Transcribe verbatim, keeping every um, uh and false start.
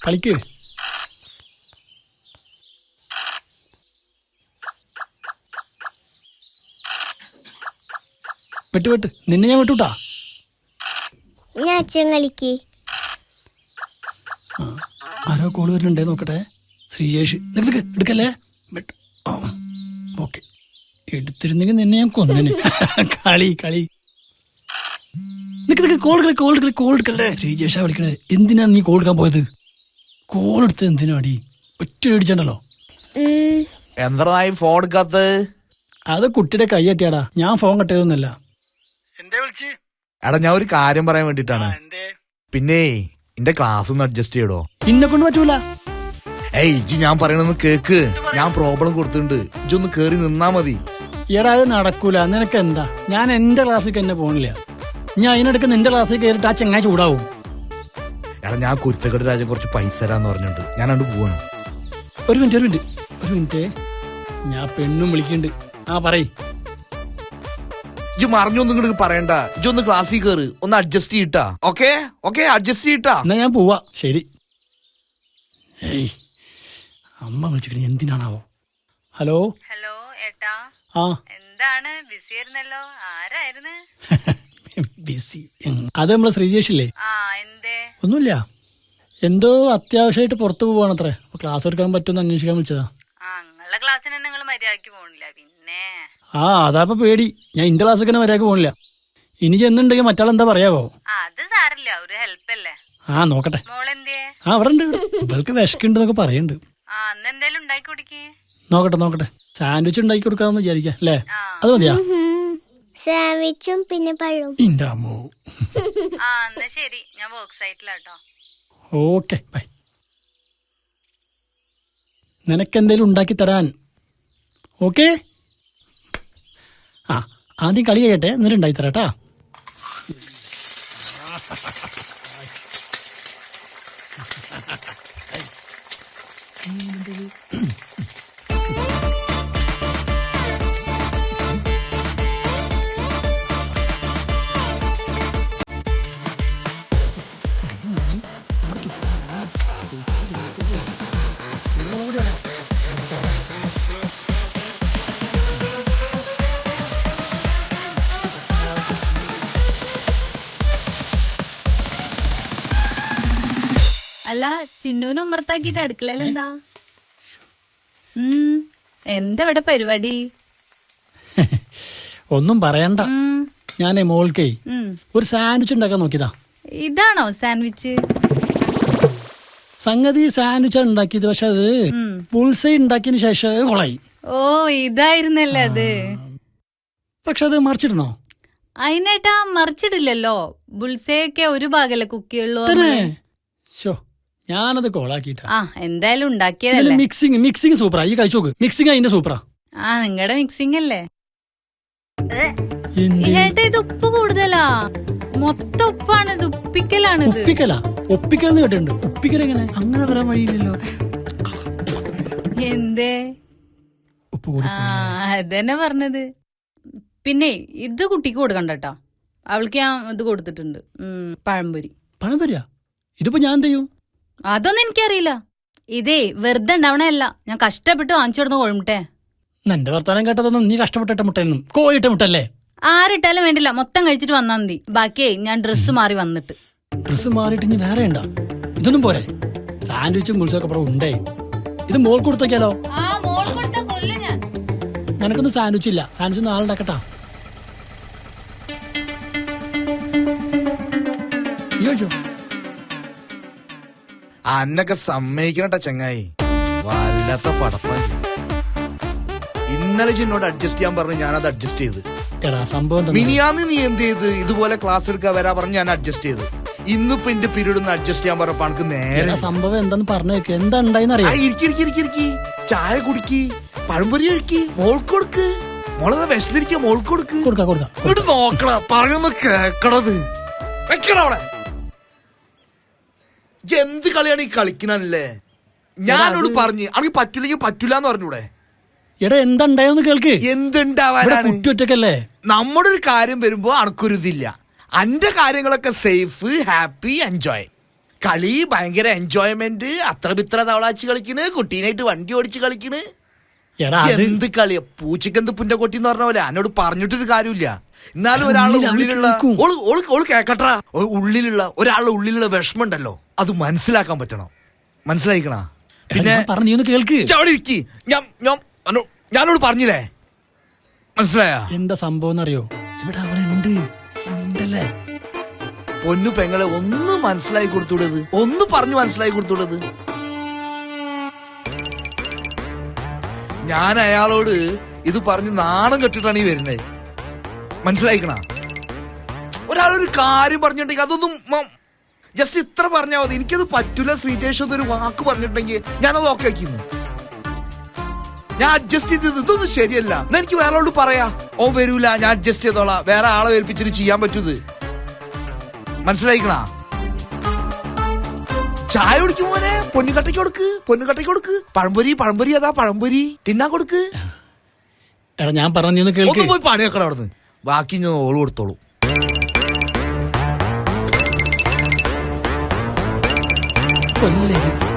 കളിക്ക്. വെട്ട് വെട്ട്, നിന്നെ ഞാൻ വിട്ടുട്ടാ. ഞാൻ അച്ഛൻ കളിക്ക്. ആരോ കോള് വരുന്നുണ്ടേ നോക്കട്ടെ. ശ്രീജേഷ് എടുക്കല്ലേ. ഓക്കെ, എടുത്തിരുന്നെങ്കിൽ നിന്നെ ഞാൻ കൊന്നേനെ. കളി കളി നിക്ക് നിക്ക് കോൾ കളി കോൾ കളി കോൾ എടുക്കല്ലേ. ശ്രീജേഷാ വിളിക്കണേ. എന്തിനാ നീ കോൾ എടുക്കാൻ പോയത്? കോൾ എടുത്തത് എന്തിനാ അടി? ഒറ്റ അടിച്ചണ്ടല്ലോ. എന്തായി ഫോൺ എടുക്കാത്തത്? അത് കുട്ടിയുടെ കൈ കെട്ടിയാടാ, ഞാൻ ഫോൺ കെട്ടിയതൊന്നല്ല. എന്തേ വിളിച്ച്? എടാ ഞാൻ ഒരു കാര്യം പറയാൻ വേണ്ടിട്ടാണ്. പിന്നെ എന്റെ ക്ലാസ് ഒന്ന് അഡ്ജസ്റ്റ് ചെയ്യടോ. ഇന്നെ കൊണ്ട് പറ്റൂല. ഏയ് ഇജ്ജ് ഞാൻ പറയണെന്ന് കേക്ക്. ഞാൻ പ്രോബ്ലം കൊടുത്തിട്ടുണ്ട്, ഇജ്ജ് ഒന്ന് കേറി നിന്നാ മതി. എടാ അത് നടക്കൂല. നിനക്ക് എന്താ? ഞാൻ എന്റെ ക്ലാസ്സിൽ തന്നെ പോണില്ല. ഞാൻ അതിനിടയ്ക്ക് നിന്റെ ക്ലാസ്സിൽ കയറിട്ട് ആ ചെങ്ങായി ചൂടാവും. എടാ ഞാൻ കുരുത്തക്കെട്ട് രാജ കുറച്ച് പൈസ തരാന്ന് പറഞ്ഞിട്ടുണ്ട്, ഞാൻ അങ്ങോട്ട് പോവാണ്. ഒരു മിനിറ്റ് ഒരു മിനിറ്റ് ഒരു മിനിറ്റ് ഞാൻ പെണ്ണും വിളിക്കുന്നുണ്ട്. ആ പറയ്. ഇജ്ജ് മറിഞ്ഞൊന്നും ഇങ്ങോട്ട് പറയണ്ട, ഇജ്ജ് ഒന്ന് ക്ലാസ്സിൽ കയറി ഒന്ന് അഡ്ജസ്റ്റ് ചെയ്യട്ടാ. ഓക്കെ ഓക്കെ അഡ്ജസ്റ്റ് ചെയ്യട്ടാ. എന്നാ ഞാൻ പോവാ. ശരി. ഏയ് അമ്മ വിളിച്ചിട്ട് എന്തിനാണാവോ? ഹലോ ഹലോ ഏട്ടാ. ആ എന്താണ് ബിസി ആയിരുന്നല്ലോ? ആരായിരുന്നു? ബിസി? അത് നമ്മളെ ശ്രീജേഷില്ലേ? ആ എന്തേ? ഒന്നുമില്ല, എന്തോ അത്യാവശ്യമായിട്ട് പുറത്തു പോവാണത്രേ. ക്ലാസ് എടുക്കാൻ പറ്റുമെന്ന് അന്വേഷിക്കാൻ വിളിച്ചതാ. ആ നിങ്ങളുടെ ക്ലാസ്സിന് നിങ്ങൾ മര്യാദക്ക് പോണില്ല പിന്നെ? ആ അതാപ്പ പേടി. ഞാൻ ഇന്റെ ക്ലാസ്സൊക്കെ തന്നെ മര്യാദക്ക് പോണില്ല. ഇനി ചെന്നുണ്ടെങ്കിൽ മറ്റാളെന്താ പറയാവോ? അത് സാരില്ല, ഒരു ഹെൽപ്പ് അല്ലേ. ആ നോക്കട്ടെ. മോളെന്തേ? ആ അവിടെ ഉണ്ട്. ഇവൾക്ക് വിശക്കുണ്ടെന്നൊക്കെ പറയുന്നുണ്ട്. ആ അന്ന് എന്തേലും ഉണ്ടാക്കി കുടിക്കേ. നോക്കട്ടെ നോക്കട്ടെ സാൻഡ്വിച്ച് ഉണ്ടാക്കി കൊടുക്കാന്ന് വിചാരിക്കാം അല്ലേ? അത് മതിയാ? സാൻഡ്വിച്ചും പിന്നെ പഴവും. ഇന്റെ അമ്മോ. ആ എന്നാ ശരി, ഞാൻ വർക്ക് സൈറ്റിലാട്ടോ. Okay bye. നിനക്കെന്തേലും ഉണ്ടാക്കി തരാൻ. ഓക്കെ. ആ ആദ്യം കളി കഴിയട്ടെ, എന്നിട്ട് ഉണ്ടാക്കി തരാട്ടാ. അല്ല ചിന്നൂനും ഉമ്മർത്താക്കിട്ട് അടുക്കളയിൽ എന്താ? ഉം എന്താ ഇവിടെ പരിപാടി? ഒന്നും പറയണ്ട. ഞാനേ മോൾക്കേ ഒരു സാൻഡ്വിച്ച് ഉണ്ടാക്കാൻ നോക്കിയതാ. ഇതാണോ സാൻഡ്വിച്ച്? സംഗതി സാൻഡ്വിച്ചാണ് ഉണ്ടാക്കിയത്, പക്ഷെ അത് ബുൾസൈ ഉണ്ടാക്കിയതിന് ശേഷം കൊളായി. ഓ ഇതായിരുന്നല്ലേ അത്. പക്ഷെ അത് മറിച്ചിടണോ? അതിനേട്ടാ മറിച്ചിടില്ലല്ലോ. ബുൾസയൊക്കെ ഒരു ഭാഗല്ലേ കുക്കിയുള്ളൂ. ഞാനത് കോളാക്കിട്ടാ. ആ എന്തായാലും ഉണ്ടാക്കിയതല്ലേ. മിക്സിങ് മിക്സിങ് സൂപ്പറാ. ഈ കഴിച്ചു നോക്ക്. മിക്സിങ് അതിന്റെ സൂപ്പറാ. ആ നിങ്ങളുടെ മിക്സിംഗ് അല്ലേ. ഏട്ടാ ഇത് ഉപ്പ് കൂടുതലാ. മൊത്തം ഉപ്പാണ് ഇത്. ഉപ്പിക്കലാണ് ഇത്. ഉപ്പിക്കലാ? ഒപ്പിക്കലെന്ന് കേട്ടിട്ടുണ്ട്. ഉപ്പിക്കൽ എങ്ങനെ? അങ്ങനെ വരാൻ വഴിയില്ലല്ലോ. എന്തേ? ഉപ്പ് കൂടി. ആ അതന്നെ പറഞ്ഞത്. പിന്നെ ഇത് കുട്ടിക്ക് കൊടുക്കണ്ട കേട്ടോ. അവൾക്ക് ഞാൻ ഇത് കൊടുത്തിട്ടുണ്ട്, പഴംപൊരി. പഴംപൊരിയാ? ഇതിപ്പോ ഞാൻ എന്ത് ചെയ്യും? അതൊന്നും എനിക്കറിയില്ല. ഇതേ വെറുതെ ഉണ്ടാവണല്ല, ഞാൻ കഷ്ടപ്പെട്ട് വാങ്ങിച്ചു കൊടുത്ത കോഴിമുട്ടേ. എന്റെ വർത്താനം കേട്ടതൊന്നും നീ കഷ്ടപ്പെട്ടിട്ട മുട്ടയൊന്നും കോഴിട്ട മുട്ടല്ലേ? ആരിട്ടാലും വേണ്ടില്ല, മൊത്തം കഴിച്ചിട്ട് വന്നാ മതി. ബാക്കിയേ ഞാൻ ഡ്രസ്സ് മാറി വന്നിട്ട്. ഡ്രസ്സ് മാറിയിട്ട് ഇനി വേറെ ഉണ്ടാ? ഇതൊന്നും പോരെ? സാൻഡ്വിച്ചും ബുൾസൊക്കെ അപ്പുറം ഉണ്ടേ. ഇത് മോൾ കൊടുത്തോക്കിയാലോ? നിനക്കൊന്നും സാൻഡ്വിച്ച് ഇല്ല. സാൻഡ്വിച്ച് നാളെ ഉണ്ടാക്കട്ടാ. ചോദിച്ചോ? അന്നൊക്കെ സമ്മതിക്കണട്ടാ ചങ്ങായി, വല്ലാത്ത പടപ്പാൻ. ഇന്നലെ എന്നോട് അഡ്ജസ്റ്റ് ചെയ്യാൻ പറഞ്ഞു, ഞാനത് അഡ്ജസ്റ്റ് ചെയ്ത്. എടാ സംഭവം മിനിയാന്ന് നീ എന്ത് ചെയ്ത്? ഇതുപോലെ ക്ലാസ് എടുക്കാൻ വരാ പറഞ്ഞ് ഞാൻ അഡ്ജസ്റ്റ് ചെയ്ത്. ഇന്നിപ്പോ എന്റെ പീരീഡ് ഒന്ന് അഡ്ജസ്റ്റ് ചെയ്യാൻ പറഞ്ഞപ്പോ എനിക്ക് നേരെ സംഭവം എന്താന്ന് പറഞ്ഞു വെക്ക്. എന്താ ഉണ്ടായിന്ന് അറിയാം. ഇരിക്കി ചായ കുടിക്ക്, പഴംപൊരി കഴിക്ക്, മോൾക്ക് കൊടുക്ക്. മോളെ വിശന്നിരിക്ക, മോൾക്ക് കൊടുക്ക്. കൊടുക്കാം കൊടുക്കാം. ഇങ്ങോട്ട് നോക്കണ, പറഞ്ഞൊന്ന് കേക്കണത്. വെക്കണവിടെ. എന്ത് കളിയാണ് ഈ കളിക്കണല്ലേ? ഞാനോട് പറഞ്ഞ് അനക്ക് പറ്റൂലെങ്കിൽ പറ്റൂലെന്ന് പറഞ്ഞൂടെ? എടാ എന്താ ഉണ്ടായെന്ന് കേൾക്ക്. എന്തുണ്ടാവാനാണ്? കുറ്റൊറ്റക്കല്ലേ. നമ്മുടെ ഒരു കാര്യം വരുമ്പോ അനക്കൊരു ഇതില്ല. അന്റെ കാര്യങ്ങളൊക്കെ സേഫ്, ഹാപ്പി, എൻജോയ്. കളി ഭയങ്കര എൻജോയ്മെന്റ്, അത്ര പിത്ര തവളാച്ച് കളിക്കണ്, കുട്ടീനായിട്ട് വണ്ടി ഓടിച്ച് കളിക്കണ്. എടാ അത് എന്ത് കളിയാ, പൂച്ചക്കെന്ത് പുന്റെ കൊട്ടി എന്ന് പറഞ്ഞ പോലെ എന്നോട് പറഞ്ഞിട്ടൊരു കാര്യമില്ല. എന്നാലും ഒരാളുടെ ഉള്ളിൽ അവള് ഉള്ളിലുള്ള കേൾക്കും. ഓള് ഓള് ഓള് കേക്കട്ടാ, ഉള്ളിലുള്ള ഒരാളുടെ ഉള്ളിലുള്ള വിഷമം ഉണ്ടല്ലോ, അത് മനസ്സിലാക്കാൻ പറ്റണം. മനസ്സിലായിക്കണ? പിന്നെ പറഞ്ഞു നീ ഒന്ന് കേൾക്ക്. അവിടെ ഇരിക്കി, ഞാൻ ഞാൻ അന്നോ- ഞാനോട് പറഞ്ഞില്ലേ, മനസ്സിലായ? എന്താ സംഭവം എന്നറിയോ? ഇവിടെ അവളുണ്ട് ഉണ്ടല്ലേ. പൊന്നു പെങ്ങളെ ഒന്ന് മനസ്സിലാക്കി കൊടുത്തൂടത്, ഒന്ന് പറഞ്ഞു മനസ്സിലാക്കി കൊടുത്തൂടത്. ഞാൻ അയാളോട് ഇത് പറഞ്ഞ് നാണം കെട്ടിട്ടാണ് ഈ വരുന്നത്. മനസ്സിലായിക്കണ? ഒരാളൊരു കാര്യം പറഞ്ഞിട്ടുണ്ടെങ്കിൽ അതൊന്നും ജസ്റ്റ് ഇത്ര പറഞ്ഞാൽ മതി. എനിക്കത് പറ്റൂല ശ്രീജേഷ് എന്നൊരു വാക്ക് പറഞ്ഞിട്ടുണ്ടെങ്കിൽ ഞാനത് ഓക്കെ ആക്കിന്ന്, ഞാൻ അഡ്ജസ്റ്റ് ചെയ്തത്. ഇതൊന്നും ശരിയല്ല. എന്നാ എനിക്ക് വേറെ ആളോട് പറയാ, ഓ വരൂല ഞാൻ അഡ്ജസ്റ്റ് ചെയ്തോളാം, വേറെ ആളെ ഏൽപ്പിച്ചിട്ട് ചെയ്യാൻ പറ്റൂത്. മനസ്സിലായിക്കണ? ചായ കുടിക്കും പോലെ പൊന്നുകട്ടയ്ക്ക് കൊടുക്ക്, പൊന്നുകട്ടയ്ക്ക് കൊടുക്ക്. പഴംപൊരി പഴംപൊരി അതാ പഴംപൊരി തിന്നാ കൊടുക്ക്. എടാ ഞാൻ പറഞ്ഞു നീ ഒന്ന് കേൾക്ക്. ഒന്ന് പോയി പണി വെക്കണം അവിടുന്ന്, ബാക്കി ഞാൻ ഓള് കൊടുത്തോളൂ. കൊല്ലരുത്.